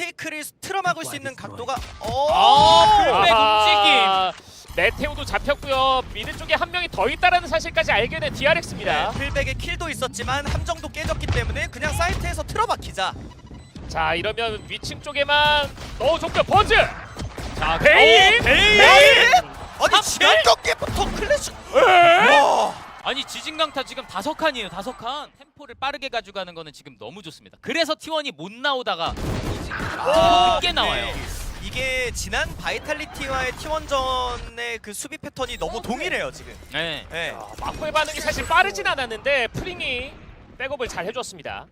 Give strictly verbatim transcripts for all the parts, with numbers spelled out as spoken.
테이크를 틀어막을 수 있는 각도가 아, 풀백 아하. 메테오도 잡혔고요. 미드 쪽에 한 명이 더 있다라는 사실까지 알게 된 디알엑스입니다. 네, 풀백의 킬도 있었지만 함정도 깨졌기 때문에 그냥 사이트에서 틀어박히자. 자, 이러면 위층 쪽에만 넣어줬고요. 버즈! 자, 베인! 어, 베인! 아니 지난 경기부터 클래시. 와. 아니 지진강타 지금 다섯 칸이에요. 다섯 칸. 템포를 빠르게 가져가는 거는 지금 너무 좋습니다. 그래서 티원이 못 나오다가 아, 늦게 나와요. 네. 이게 지난 바이탈리티와의 티원전의 그 수비 패턴이 너무 동일해요 지금. 네. 네. 아, 마코의 반응이 사실 빠르진 않았는데 프링이 백업을 잘 해줬습니다.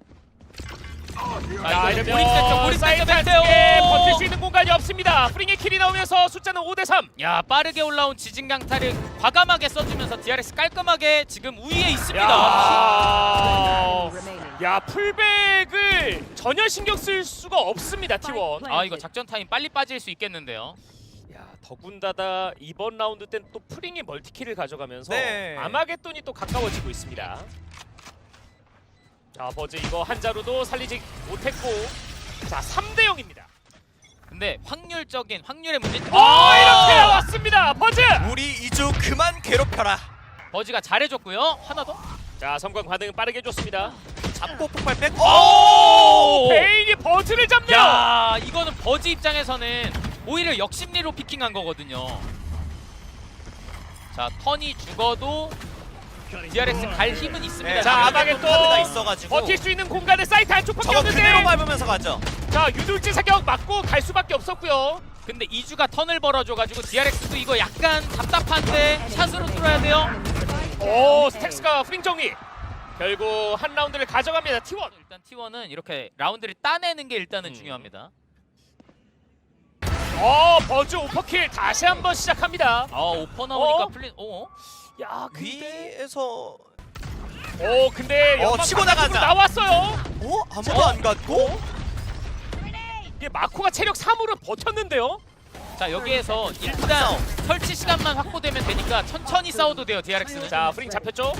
자, 이러면 이러면 고립됐죠. 고립됐죠. 사이트 메테오. 안쪽에 버틸 수 있는 공간이 없습니다. 프링의 킬이 나오면서 숫자는 오 대 삼. 야, 빠르게 올라온 지진강타를 과감하게 써주면서 디알엑스 깔끔하게 지금 우위에 있습니다. 야, 야 풀백을 전혀 신경 쓸 수가 없습니다 티원. 아, 이거 작전 타임 빨리 빠질 수 있겠는데요. 야, 더군다나 이번 라운드 땐 또 프링이 멀티킬을 가져가면서 네. 아마겟돈이 또 가까워지고 있습니다. 자, 버즈 이거 한자루도 살리지 못했고, 자 삼 대 영입니다. 근데 확률적인 확률의 문제. 어, 이렇게 나왔습니다. 버즈. 우리 이주 그만 괴롭혀라. 버즈가 잘해줬고요. 하나 더. 자, 섬광 반응 빠르게 줬습니다. 잡고 폭발 백. 오! 베인이 버즈를 잡네요. 야, 이거는 버즈 입장에서는 오히려 역심리로 피킹한 거거든요. 자, 턴이 죽어도 디알엑스 갈 힘은 있습니다. 네, 자, 자, 아마겟돈 카드가 있어가지고 버틸 수 있는 공간은 사이트 안쪽밖에 저거 그대로 없는데. 밟으면서 가죠. 자, 유돌지 사격 맞고 갈 수밖에 없었고요. 근데 이주가 턴을 벌어줘가지고 디알엑스도 이거 약간 답답한데 샷으로 뚫어야 돼요. 오, 스택스가 프링 정리. 결국 한 라운드를 가져갑니다. 티원. 일단 티원은 이렇게 라운드를 따내는 게 일단은 음. 중요합니다. 어, 버즈 오퍼킬 다시 한번 시작합니다. 아, 오퍼 나오니까 어? 풀린. 어? 야, 근데 위에서 오, 근데 어, 연막 치고 바깥으로 나가자. 나왔어요. 어? 아무도 안 갔고? 이게 마코가 체력 삼으로 버텼는데요. 자, 여기에서 일단 설치 시간만 확보되면 되니까 천천히 싸워도 돼요, 디알엑스는. 자, 프링 잡혔죠.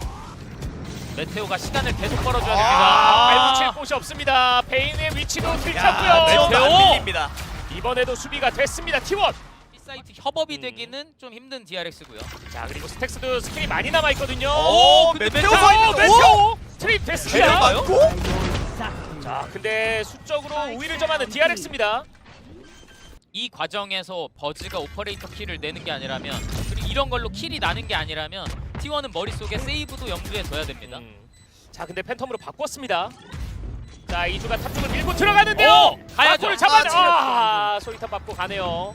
메테오가 시간을 계속 벌어줘야 아, 됩니다. 발 붙일 곳이 없습니다. 베인의 위치도 야, 들켰고요. 메테오도 안 메테오! 밀립니다. 이번에도 수비가 됐습니다. 티원. 사이트 협업이 음. 되기는 좀 힘든 디알엑스고요. 자, 그리고 스택스도 스킬이 많이 남아 있거든요. 오, 근데 메테오 메테오! 서 오, 있는데. 메테오 트립 됐습니다. 맞고? 자, 근데 수적으로 우위를 점하는 디알엑스입니다. 이 과정에서 버즈가 오퍼레이터 킬을 내는 게 아니라면, 그리고 이런 걸로 킬이 나는 게 아니라면 티원은 머릿속에 세이브도 염두에 둬야 됩니다. 음. 자, 근데 팬텀으로 바꿨습니다. 자, 이주가 탑 쪽을 밀고 들어가는데요. 오! 가야죠. 마코를 잡아내. 아, 아, 소이탑 받고 가네요.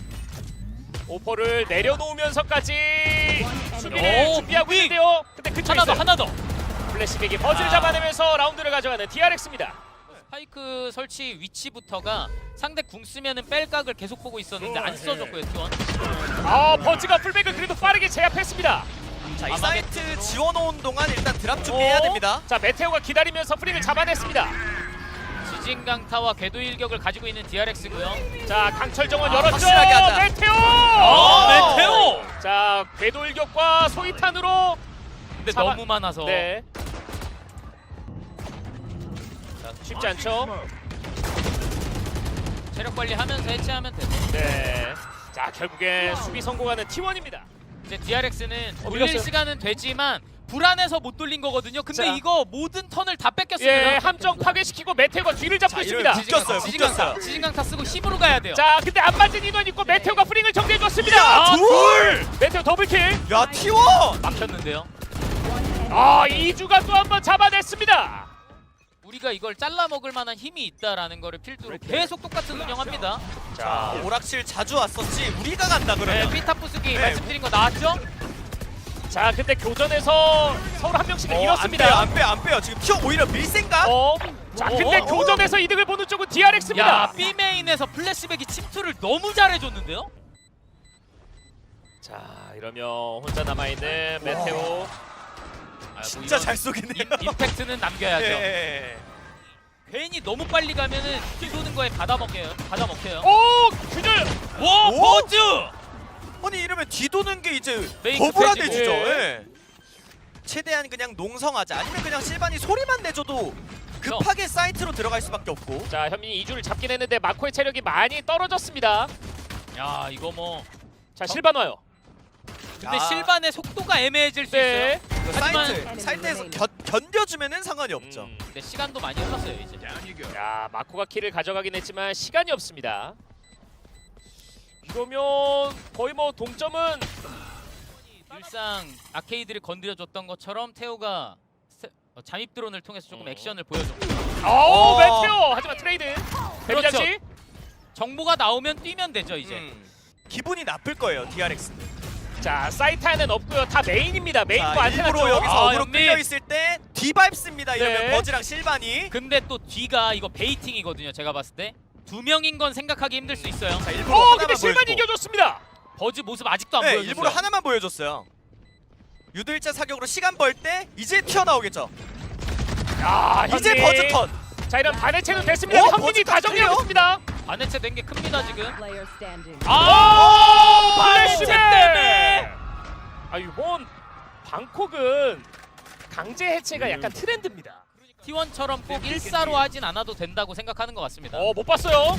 오퍼를 내려놓으면서까지 수비를 오, 준비하고 무빙! 있는데요. 근데 그쪽에 하나 더, 있어요. 하나 더. 플래시백이 버즈를 아. 잡아내면서 라운드를 가져가는 디알엑스입니다. 스파이크 설치 위치부터가 상대 궁 쓰면은 뺄각을 계속 보고 있었는데 안 써줬고요, 티원. 아, 버즈가 풀백을 그래도 빠르게 제압했습니다. 자, 이 아마겟- 사이트 지워놓은 동안 일단 드랍 준비해야 어? 됩니다. 자, 메테오가 기다리면서 프링을 잡아냈습니다. 지진강타와 궤도 일격을 가지고 있는 디알엑스고요. 자, 강철 정원 아, 열었죠. 확실하게 하자. 메테오. 어, 메테오! 자, 궤도 일격과 소이탄으로. 근데 잡아- 너무 많아서. 네. 자, 쉽지 않죠. 체력 관리하면서 해체하면 되죠. 네. 자, 결국에 수비 성공하는 티원입니다. 이제 디알엑스는 어, 돌릴 밀렸어요. 시간은 되지만 불안해서 못 돌린 거거든요. 근데 자. 이거 모든 턴을 다 뺏겼습니다. 예, 함정 파괴시키고 메테오가 뒤를 잡고 자, 있습니다. 이러면 묶였어요, 지진강타, 묶였어요. 지진강타 쓰고 힘으로 가야 돼요. 자, 근데 안 맞은 인원 있고 메테오가 프링을 정리해 줬습니다. 야, 둘! 메테오 더블킬. 야, 티원! 막혔는데요. 아, 이주가 또 한 번 잡아냈습니다. 우리가 이걸 잘라 먹을 만한 힘이 있다라는 거를 필두로 계속 똑같은 운영합니다. 자, 오락실 자주 왔었지. 우리가 간다 네, 그러면. 피타 부수기 네. 말씀드린 거 나왔죠? 자, 근데 교전에서 서로 한 명씩을 어, 안 빼요, 잃었습니다. 안 빼요, 안 빼요. 지금 티원 오히려 밀 생각? 어, 자, 근데 어? 교전에서 이득을 보는 쪽은 디알엑스입니다. 야, B메인에서 플래시백이 침투를 너무 잘해줬는데요? 자, 이러면 혼자 남아 있는 메테오. 아, 뭐 진짜 이런 잘 쏘겠네요. 임, 임팩트는 남겨야죠. 예. 괜히 너무 빨리 가면은 뒤도는 거에 받아 먹혀요. 받아 먹혀요. 오, 균열. 와, 오? 버즈! 아니 이러면 뒤도는 게 이제 메인 거부라돼지죠. 급해지고. 예. 최대한 그냥 농성하자. 아니면 그냥 실반이 소리만 내줘도 그렇죠. 급하게 사이트로 들어갈 수밖에 없고. 자, 현민이 이 주를 잡긴 했는데 마코의 체력이 많이 떨어졌습니다. 야 이거 뭐 자, 실반 와요. 근데 아. 실반의 속도가 애매해질 수 네. 있어요. 이거 하지만- 사이트 사이트에서 견, 견뎌주면은 상관이 없죠. 음. 근데 시간도 많이 흘렀어요 이제. 야, 마코가 킬을 가져가긴 했지만 시간이 없습니다. 이러면 거의 뭐 동점은 일상 아케이드를 건드려줬던 것처럼 태우가 세- 어, 잠입 드론을 통해서 조금 어. 액션을 보여줬고 오, 어. 메테오! 하지만 트레이드. 그렇죠. 데뷔장치. 정보가 나오면 뛰면 되죠 이제. 음. 기분이 나쁠 거예요 디알엑스는. 자, 사이트 안에는 없고요. 다 메인입니다. 메인과 자, 안테나 일부러 쪽. 여기서 아, 어그로 연민. 끌려 있을 때 뒤밟습니다. 이러면 네. 버즈랑 실반이. 근데 또 뒤가 이거 베이팅이거든요 제가 봤을 때. 두 명인 건 생각하기 힘들 수 있어요. 자, 일부러 어, 하나만 근데 실반 보여주고. 이겨줬습니다. 버즈 모습 아직도 안 네, 보여줬어요. 일부러 하나만 보여줬어요. 유도일자 사격으로 시간 벌 때 이제 튀어나오겠죠. 야, 이제 현민. 버즈 턴. 자, 이런 반해체도 됐습니다. 어, 현민이 버즈 다 정리하고 턴이에요? 있습니다. 반해체 된 게 큽니다 지금. Player standing. 아, 반해체 반해체 때문에. 아, 이번 방콕은 강제 해체가 약간 트렌드입니다. 티원처럼 꼭 일사로 하진 않아도 된다고 생각하는 것 같습니다. 어, 못 봤어요.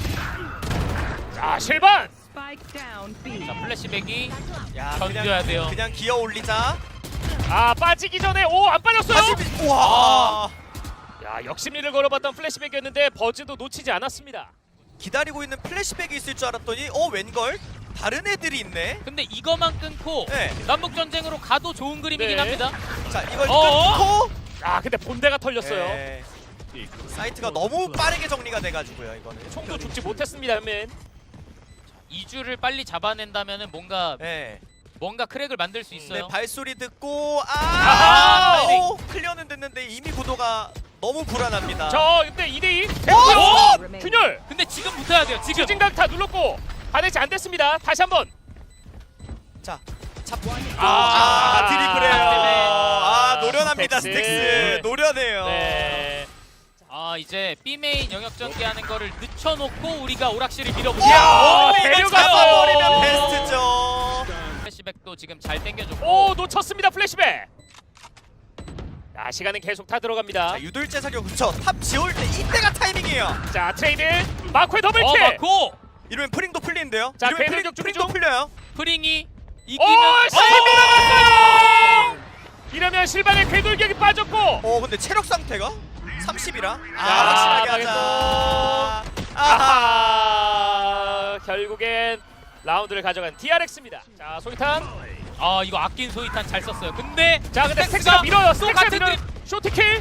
자, 실반. Spike down B. 자 플래시백이 야, 견뎌야 돼요. 그냥 기어 올리자. 아, 빠지기 전에 오, 안 빠졌어요. 다시 비... 와. 야, 역심리를 걸어봤던 플래시백이었는데 버즈도 놓치지 않았습니다. 기다리고 있는 플래시백이 있을 줄 알았더니 어 웬걸? 다른 애들이 있네. 근데 이거만 끊고 네. 남북 전쟁으로 가도 좋은 그림이긴 네. 합니다. 자, 이걸 어어? 끊고 아, 근데 본대가 털렸어요. 네. 사이트가 너무 빠르게 정리가 돼가지고요 이거는. 총도 죽지 못했습니다, 현민. 이 주를 빨리 잡아낸다면은 뭔가 네. 뭔가 크랙을 만들 수 있어요. 네, 발소리 듣고 아, 아하! 오, 클리어는 됐는데 이미 구도가 너무 불안합니다. 저 근데 이 대 이. 오! 균열. 근데 지금 붙어야 돼요. 지금. 추진각 다 눌렀고 반해체 안 됐습니다. 다시 한번. 자, 잡. 아, 아, 드리블해요. 때문에. 아, 노련합니다 스택스. 스택스. 노련해요. 네. 아 이제 B 메인 영역 전개하는 거를 늦춰놓고 우리가 오락실을 이야, 밀어보자. 데려가버리면 베스트죠. 플래시백도 지금 잘 당겨줬고. 오, 놓쳤습니다. 플래시백. 자, 시간은 계속 타 들어갑니다. 자, 유도일제 사격 그쵸. 탑 지울 때 이때가 타이밍이에요. 자, 트레이드. 마코의 더블킬. 어 맞고 이러면 프링도 풀리는데요. 자, 이러면 궤도 프링, 격 준비 프링도 중. 풀려요. 프링이 오, 이기면 실비 나갔어요. 이러면 실반의 궤돌격이 빠졌고. 어, 근데 체력 상태가 삼십이라. 아, 야, 확실하게 망했어. 하자. 아하. 아하. 결국엔 라운드를 가져간 디알엑스입니다. 자, 소이탄. 아 이거 아낀 소이탄 잘 썼어요. 근데 자, 근데 스택스가 스택스가 밀어요. 또 스택스가 같은 밀어요. 팀. 쇼트킬.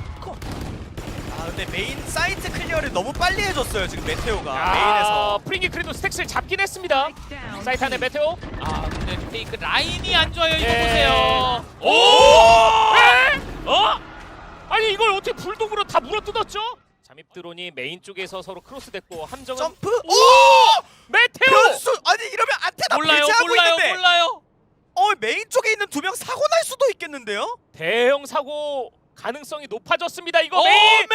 아, 근데 메인 사이트 클리어를 너무 빨리 해줬어요 지금 메테오가 아, 메인에서. 프링이 그래도 스택스를 잡긴 했습니다. Down. 사이트 안에 메테오. 아 근데 페이크 라인이 안 좋아요. 이거 예. 보세요. 오! 에? 어? 아니 이걸 어떻게 불독으로 다 물어뜯었죠? 잠입 드론이 메인 쪽에서 서로 크로스됐고 함정은 점프. 오! 오! 메테오! 변수. 아니 이러면 안테나 몰라요, 배제하고 몰라요, 있는데. 몰라요. 어, 메인 쪽에 있는 두 명 사고 날 수도 있겠는데요? 대형 사고 가능성이 높아졌습니다. 이거 오, 메인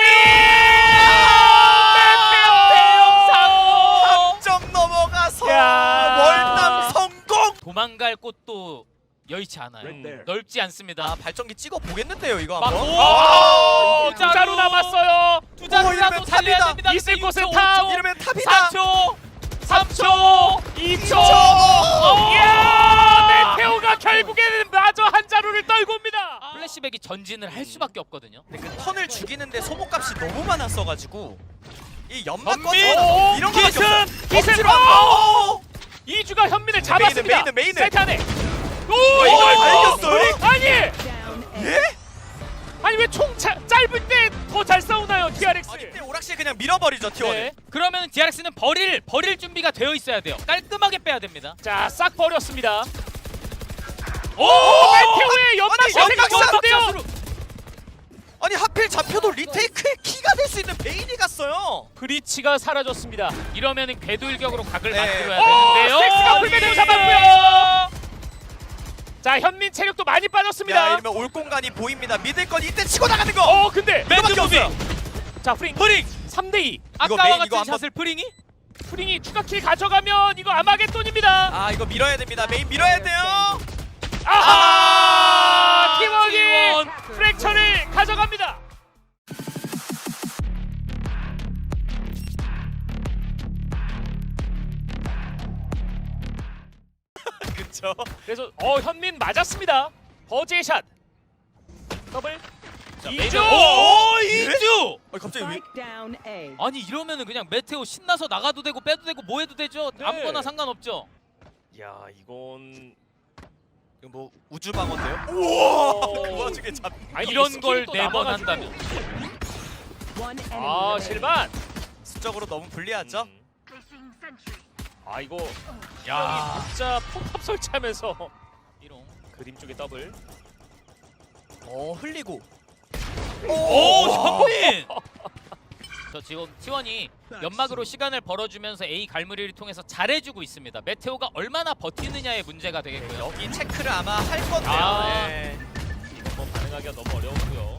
메테오! 대형 사고. 한 점 넘어가서 야. 월남 성공. 도망갈 곳도 여의치 않아요. 음. 넓지 않습니다. 아, 발전기 찍어 보겠는데요 이거 막 한번. 오! 아, 두 자루. 자루 남았어요. 두 오, 자루라도 이러면 살려야 탑이다. 됩니다. 있을 근데 곳은 육 초, 탑. 오 초, 이러면 탑이다. 삼 초, 삼 초, 이 초. 오! 이야! 메테오가 결국에는 마저 한 자루를 떨고 옵니다. 플래시백이 전진을 할 수밖에 없거든요. 근데 그 턴을 죽이는데 소모값이 너무 많았어가지고 이 연막 현민! 꺼져 이런 거밖에 기승! 없어. 기승! 억지로 안- 오! 이주가 현민을 잡았습니다. 메인은, 메인은. 사이트 안에. 오! 어, 이걸 다 이겼어요? 아니! Down A. 예? 아니 왜 총 짧을 때 더 잘 싸우나요, 디알엑스? 아니 근데 오락실 그냥 밀어버리죠 티원을. 네. 그러면 디알엑스는 버릴 버릴 준비가 되어 있어야 돼요. 깔끔하게 빼야 됩니다. 자, 싹 버렸습니다. 오! 메테오의 연막 아니, 샷을 연막 갔는데요. 샷으로. 아니 하필 잡혀도 리테이크의 키가 될 수 있는 베인이 갔어요. 브리치가 사라졌습니다. 이러면은 궤도일격으로 각을 네. 만들어야 오! 되는데요. 스택스가 불매대로 예. 잡았고요. 자, 현민 체력도 많이 야 빠졌습니다. 이러면 올 공간이 보입니다. 믿을 건 이때 치고 나가는 거. 어, 근데 이거밖에 매드 무빙. 없어요. 자, 프링 프링. 삼 대 이. 이거 아까와 메인 같은 이거 한번- 샷을 프링이? 프링이 추가 킬 가져가면 이거 아마겟돈입니다. 아 이거 밀어야 됩니다. 메인 밀어야 돼요. 아하! 아, 팀워크 팀원. 프랙처를 가져갑니다. 그렇죠. 그래서 어 현민 맞았습니다. 버즈의 샷. 더블. 자, 이주! 메이저- 오, 이주! 아, 갑자기 왜? Spike down A. 아니 이러면은 그냥 메테오 신나서 나가도 되고 빼도 되고 뭐 해도 되죠. 네. 아무거나 상관없죠. 야 이건 이거 뭐 우주 방어인데요? 우와! 오. 그 와중에 잡. 아니, 이런 스킬이 걸 또 네 번 남아가지고. 한다면. One enemy 아 remaining. 실반. 수적으로 너무 불리하죠? 음. 아 이거 야, 진짜 포탑 설치하면서 이런. 그림 쪽에 더블. 어 흘리고. 오, 현민! 저 지금 티원이 연막으로 시간을 벌어주면서 A 갈무리를 통해서 잘해주고 있습니다. 메테오가 얼마나 버티느냐의 문제가 되겠고요. 이 체크를 아마 할 건데요. 아. 네. 이건 뭐 반응하기가 너무 어려웠고요.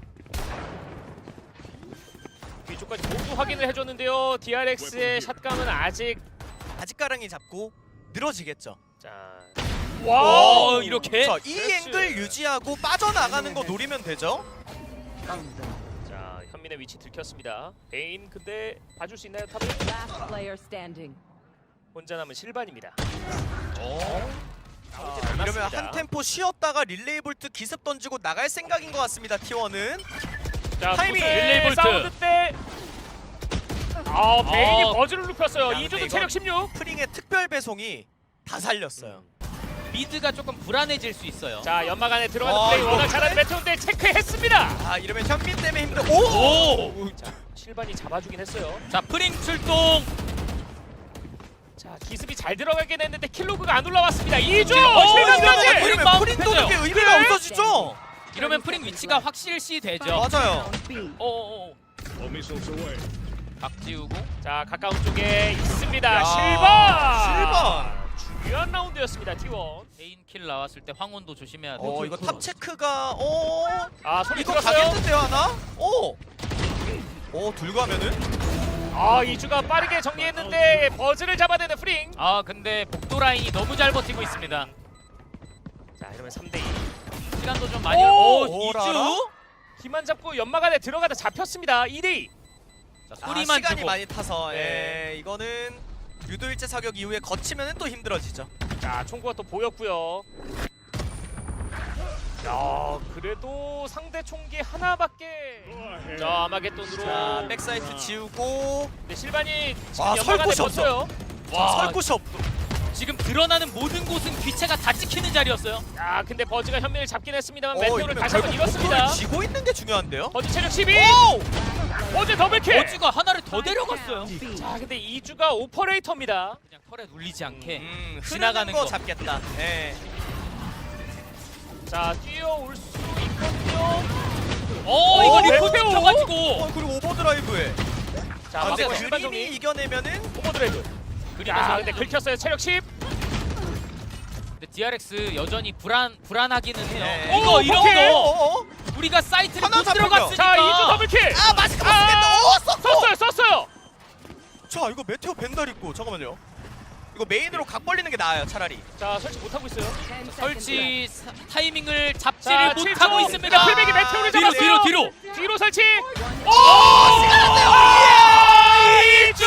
뒤쪽까지 모두 확인을 해줬는데요. 디알엑스의 샷감은 아직 바지가랑이 잡고 늘어지겠죠. 자. 와, 이렇게? 자, 이 그렇지. 앵글 유지하고 빠져나가는 거 노리면 되죠. 자 현민의 위치 들켰습니다. 베인 근데 봐줄 수 있나요 탑을? Last player standing. 혼자 남은 실반입니다. 아, 이러면 한 템포 쉬었다가 릴레이 볼트 기습 던지고 나갈 생각인 것 같습니다. 티원은. 자, 타이밍! 릴레이 릴레이 볼트. 사운드 때. 아 베인이 아. 버즈를 눕혔어요. 야, 이주도 근데 체력 이건- 십육. 프링의 특별 배송이 다 살렸어요. 미드가 조금 불안해질 수 있어요. 자 연막 안에 들어가는 어, 플레이 이거 워낙 잘하는 메테오인데 체크했습니다. 아 이러면 현민 때문에 힘들. 오! 오! 자 실반이 잡아주긴 했어요. 자, 프링 출동! 자 기습이 잘 들어가긴 했는데 킬로그가 안 올라왔습니다. 이주 어, 실반까지. 이러면 이러면 마음 프린 도는 게 급해져요. 의미가 네. 없어지죠. 이러면 프링 위치가 확실시 되죠. 맞아요. Down B. 어어어. 각 지우고. 자 가까운 쪽에 있습니다. 야, 실반. 실반. 중요한 라운드였습니다. 티원. 개인 킬 나왔을 때 황혼도 조심해야 돼요. 어 이거 탑 체크가 어 아 소리 이거 들었어요. 가겠는데요 하나? 오. 오 둘가면은 아 이주가 빠르게 정리했는데 버즈를 잡아내는 프링. 아, 근데 복도 라인이 너무 잘 버티고 있습니다. 자 이러면 삼 대 이. 시간도 좀 많이. 오! 오, 오라라? 이주? 힘만 잡고 연막 안에 들어가다 잡혔습니다. 이 대 이. 자, 아, 소리만 시간이 주고. 많이 타서 네. 예 이거는 유도일제 사격 이후에 거치면은 또 힘들어지죠. 자 총구가 또 보였고요. 야 그래도 상대 총기 하나밖에. 자 아마겟돈으로. 자 백사이트 지우고 네, 실반이 지금 와, 연막 설 안에 곳이 없어. 버텨요. 와, 설 곳이 없어. 지금 드러나는 모든 곳은 귀체가 다 찍히는 자리였어요. 아 근데 버즈가 현민을 잡긴 했습니다만 어, 메테오를 이러면 다시 한번 결국 잃었습니다. 목표를 지고 있는 게 중요한데요. 버즈 체력 십이. 오! 버즈 더블킬. 어지가 하나를 더 Spike 데려갔어요. down B. 자 근데 이주가 오퍼레이터입니다. 그냥 털에 눌리지 않게 음, 지나가는 흐르는 거 거. 잡겠다. 예. 자 뛰어올 수 있거든요. 어, 이거 오, 리포트 메테오! 쳐가지고. 어 그리고 오버드라이브에. 자 아, 근데 맞고 실반 실반 그림이 정리. 이겨내면은 오버드라이브. 그리면서 자 근데 긁혔어요. 체력 십. 근데 디알엑스 여전히 불안 불안하기는 해요. 네. 이거 오, 이런 오케이. 거 어어? 우리가 사이트를 하나 못 잡혔죠. 들어갔으니까. 자 이주 더블킬. 아 마스크 아! 벗으겠다. 오 썼어. 썼어요 썼어요. 자 이거 메테오 벤달 있고 잠깐만요. 이거 메인으로 각 벌리는 게 나아요 차라리. 자 설치 못하고 있어요. Ten seconds left. 설치 사, 타이밍을 자, 잡지를 칠 못하고 초. 있습니다. 자, 풀백이 메테오를 뒤로 잡았어요. 뒤로 뒤로. 뒤로 설치. 오 시간 안 돼요. 이주.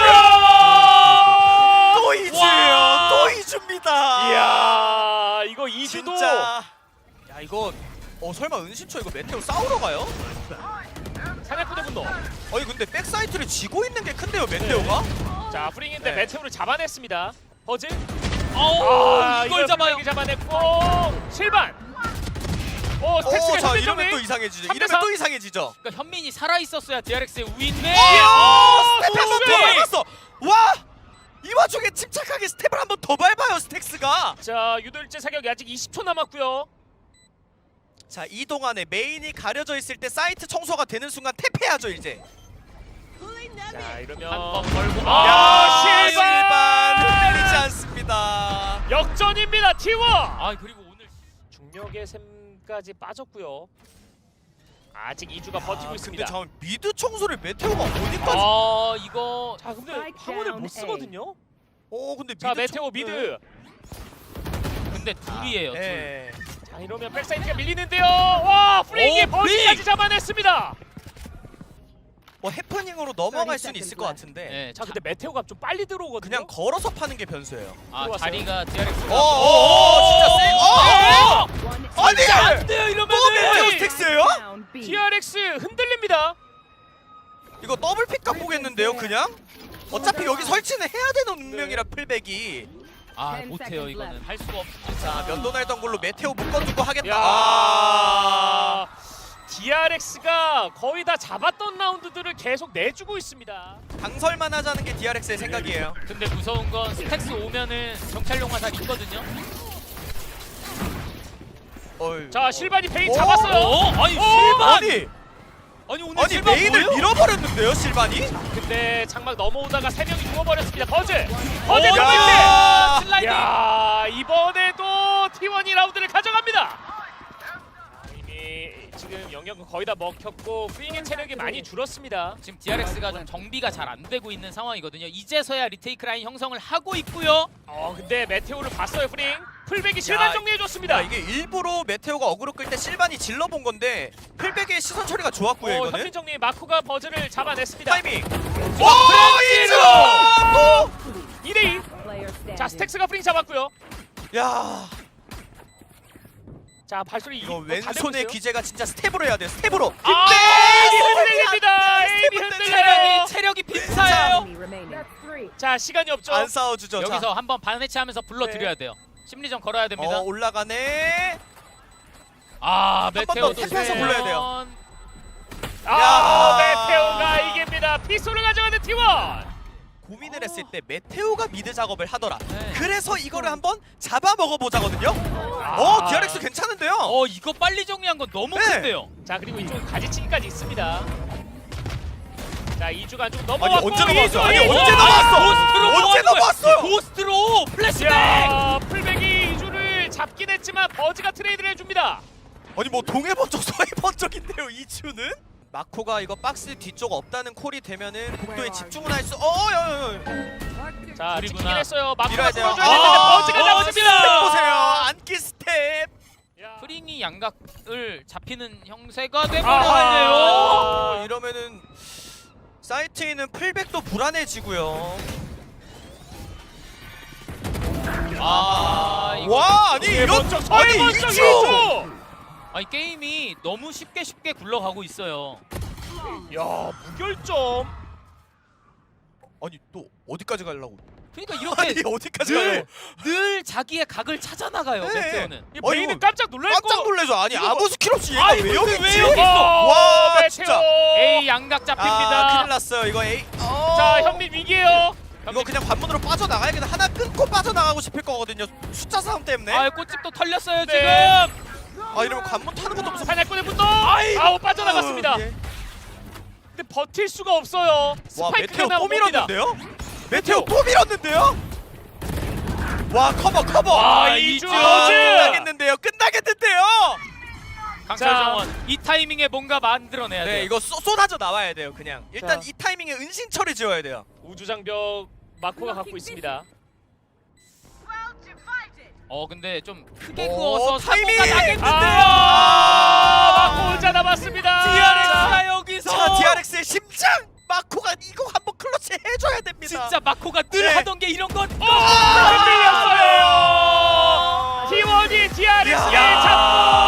또 이주예요. 와. 또 이주입니다. 이야 이거 이주도. 진짜. 야 이거 어 설마 은신초 이거 메테오 싸우러 가요? 사냥꾼의 분노. 아니 근데 백사이트를 지고 있는 게 큰데요 메테오가? 자 프링인데 네. 메테오를 잡아냈습니다. 버즈. 어우, 아, 이걸 잡아요. 풀백이 잡아냈고 실반. 오 스택스가 오자 현대 이러면 정리. 또 이상해지죠. 삼 대 이러면 삼. 또 이상해지죠. 그러니까 현민이 살아 있었어야 디알엑스의 우위인데. 오 스텝 한 번 더 수비! 밟았어. 와! 이 와중에 침착하게 스텝을 한 번 더 밟아요 스택스가. 자 유도일제 사격이 아직 이십 초 남았고요. 자 이 동안에 메인이 가려져 있을 때 사이트 청소가 되는 순간 탭해야죠 이제. 자 이러면 한번 걸고. 아, 야 실반! 실반 흔들리지 않습니다. 역전입니다 티원. 아, 그리고 오늘 중력의 샘까지 빠졌고요. 아직 이주가 버티고 아, 있습니다. 근데 잠 미드 청소를 메테오가 어디까지? 아, 이거 자 근데 Spike 황혼을 down 못 A. 쓰거든요. 어 근데 미드 자 메테오 청- 미드. 근데 둘이에요. 둘. 예. 자 이러면 백사이트가 밀리는데요. 와 프링이 오, 버즈까지 프링! 잡아냈습니다. 뭐 해프닝으로 넘어갈 수는 있을 것 같은데 네, 자 근데 메테오가 좀 빨리 들어오거든요. 그냥 걸어서 파는 게 변수예요. 아 들어왔어요. 자리가 디아렉스가 어어어 진짜 세. 어! One 아니! enemy. 안 돼요 또 이러면은. 메테오 스택스예요? Down B. 디알엑스 흔들립니다. 이거 더블 픽각 보겠는데요 그냥? 어차피 여기 설치는 해야 되는 운명이라 풀백이. 아 못해요 이거는 할 수가 없습니다. 자 면도 날던 걸로 메테오 묶어주고 하겠다. 야, 아. 디알엑스가 거의 다 잡았던 라운드들을 계속 내주고 있습니다. 강설만 하자는 게 디알엑스의 생각이에요. 근데 무서운 건 스택스 오면은 정찰용 화살 있거든요. 어이. 자 실반이 베인 오! 잡았어요. 어? 아니 오! 실반! 아니 아니 오늘 아니 실반 메인을 뭐예요? 밀어버렸는데요 실반이? 근데 장막 넘어오다가 세 명이 죽어버렸습니다. 버즈! 버즈 어, 경기대! 야, 슬라이딩! 야 이번에도 티원이 라운드를 가져갑니다. 이미 지금 영역은 거의 다 먹혔고 프링의 체력이 많이 줄었습니다. 지금 디아렉스가 좀 정비가 잘 안 되고 있는 상황이거든요. 이제서야 리테이크 라인 형성을 하고 있고요. 어 근데 메테오를 봤어요 프링. 풀백이 실반 야, 정리해줬습니다. 야, 이게 일부러 메테오가 어그로 끌 때 실반이 질러본 건데 풀백의 시선 처리가 좋았고요 어, 이거는. 현민 정리 마코가 버즈를 잡아냈습니다. 타이밍. 오, 오 이죠. 이 대 이. Player standing. 자 스택스가 프링 잡았고요. 야 자 발소리 이거 다 되고 왼손의 있어요. 귀재가 진짜 스텝으로 해야 돼 스텝으로. 아, 에이비 흔들립니다. 에이비 스텝 흔들려요. 체력이 체력이 빈사예요. Enemy remaining. Three. 자 시간이 없죠. 안 싸워주죠. 여기서 자. 한번 반해체하면서 불러드려야 돼요. 심리전 걸어야 됩니다. 어 올라가네. 아 번 메테오도 더 탭해서 불러야 돼요. 아 야. 메테오가 이깁니다. 피소를 가져가는 티원. 고민을 했을 때 메테오가 미드 작업을 하더라. 네. 그래서 이거를 한번 잡아 먹어보자거든요. 아. 어 디알엑스 괜찮은데요. 어 이거 빨리 정리한 건 너무 네. 큰데요. 자 그리고 이쪽 가지치기까지 있습니다. 자 이주가 안쪽 아니 넘어왔고 언제 넘어왔어? 아니 이주, 언제 이주! 넘어왔어? 고스트로 언제 뭐하는 거야? 넘어왔어요? 고스트로 플래시백. 야 풀백이 이주를 잡긴 했지만 버즈가 트레이드를 해줍니다. 아니 뭐 동해 번쩍 서해 번쩍인데요 이주는? 마코가 이거 박스 뒤쪽 없다는 콜이 되면은 복도에 집중을 할 수. 어, 야, 야, 야. 자 둘이구나. 찍긴 했어요. 마코가 밀어야 돼요. 풀어줘야 되는데 아, 버즈가 어, 잡았습니다. 스텝 보세요. 안기 스텝. 야. 프링이 양각을 잡히는 형세가 아하. 돼버렸네요. 어, 이러면은 사이트에 있는 풀백도 불안해지고요. 아 이거 와, 아니 서해 이런 번쩍 서해 아니 번쩍 이주. 이주. 아니 게임이 너무 쉽게 쉽게 굴러가고 있어요. 야 무결점. 아니 또 어디까지 가려고? 그러니까 아니 이렇게 어디까지 늘, 가려고? 늘 자기의 각을 찾아 나가요. 네. 메테오는. 이 아니, 베인은 이거 깜짝 놀랄 거. 깜짝 놀래죠. 아니 이거 아무 뭐- 스킬 없이 얘가 아니, 왜 근데 여기 왜 있지? 여기 있어? 와, 메테오. 진짜. A 양각 아 잡힙니다. 큰일 났어요. 이거 A. 어. 자 현민 위기에요. 이거 그냥 관문으로 빠져나가야겠다. 하나 끊고 빠져나가고 싶을 거거든요. 숫자 싸움 때문에. 아 꽃집도 털렸어요 네. 지금. 아 이러면 관문 타는 것도 무슨. 사냥꾼의 분노. 아우 빠져나갔습니다. 예. 근데 버틸 수가 없어요. 와 메테오 스파이크가 또 나옵니다. 밀었는데요? 메테오 또 밀었는데요? 와 커버 커버. 아, 이주. 아, 끝나겠는데요? 끝나겠는데요? 강철 자. 정원 이 타이밍에 뭔가 만들어내야 네 돼요. 이거 쏟, 쏟아져 나와야 돼요. 그냥 일단 자. 이 타이밍에 은신처리 지어야 돼요. 우주장벽 마코가 갖고 있습니다. 어 근데 좀 크게 오, 그어서 타이밍! 사고가 나겠는데요. 아, 마코 혼자 남았습니다. 디아렉스가 여기서 자 디알엑스의 심장! 마코가 이거 한번 클러치 해줘야 됩니다. 진짜 마코가 늘 네. 하던 게 이런 건. 아, 밀렸어요. 티원이 디아렉스를 야. 잡고